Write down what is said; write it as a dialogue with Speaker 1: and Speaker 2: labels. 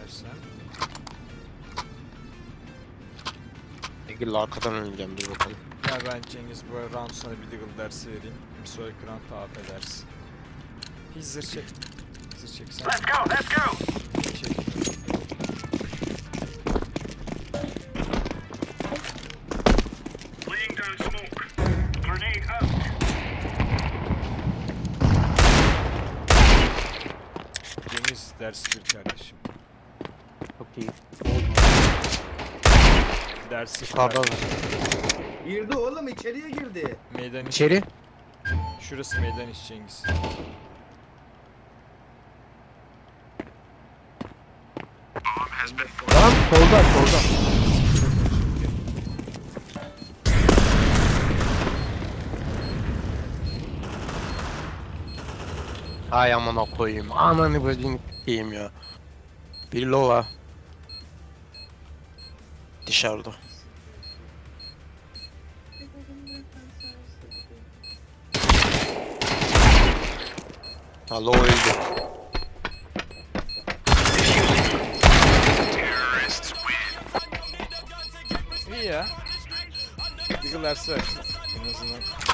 Speaker 1: istersen.
Speaker 2: Eagle arkadan oynayacağım, dur bakalım.
Speaker 1: Ya ben Cengiz bu round sana bir Deagle dersi vereyim. Bir sonraki round AP dersi. Hiç zırh çek. Zırh çeksen.
Speaker 3: Let's go, let's go.
Speaker 1: Çek.
Speaker 3: Laying down smoke. Grenade out.
Speaker 1: Cengiz dersi bir kardeşim.
Speaker 2: Çok iyi.
Speaker 1: Dersi bir
Speaker 2: Pardon.
Speaker 1: kardeşim.
Speaker 4: Girdi oğlum, içeriye girdi.
Speaker 1: Meydan iş.
Speaker 2: İçeri.
Speaker 1: Şurası meydan iş Cengiz.
Speaker 2: Lan solda solda. Ay amına koyayım. Ananı bacını s**eyim ya. Bir lova. Dışarıda. Ha lova öldü.
Speaker 1: İyi ya. Deagle dersi ver. En azından